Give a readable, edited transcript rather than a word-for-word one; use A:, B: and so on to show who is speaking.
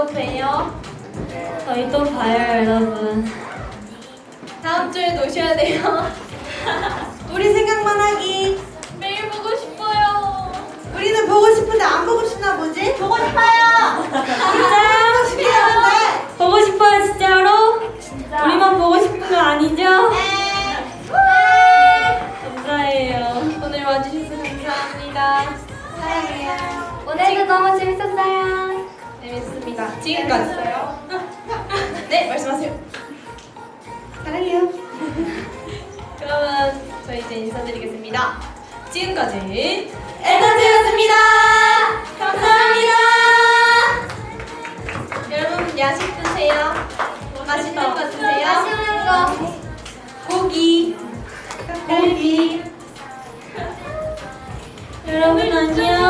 A: 또 봬요.
B: 저희 또 봐요, 여러분.
A: 다음 주에 노셔야 돼요.
C: 우리 생각만 하기.
A: 매일 보고 싶어요.
C: 우리는 보고 싶은데 안 보고 싶나 보지? 보고 싶어요.
B: 진짜요?
C: 보고 싶긴 한데.
B: 보고 싶어요, 진짜로?
A: 진짜.
B: 우리만 보고 싶은 거 아니죠?
A: 네.
B: 감사해요.
A: 오늘 와주셔서 감사합니다.
C: 사랑해요.
B: 오늘도 너무 재밌었어요.
A: 재밌습니다. 지금까지. 네, 말씀하세요.
C: 사랑해요.
A: 그러면 저희 이제 인사드리겠습니다. 지금까지
C: 에너지였습니다.
A: 감사합니다. 여러분 야식 드세요. 맛있는 거 드세요.
B: 맛있는 거.
A: 고기.
C: 고기.
B: 여러분 안녕.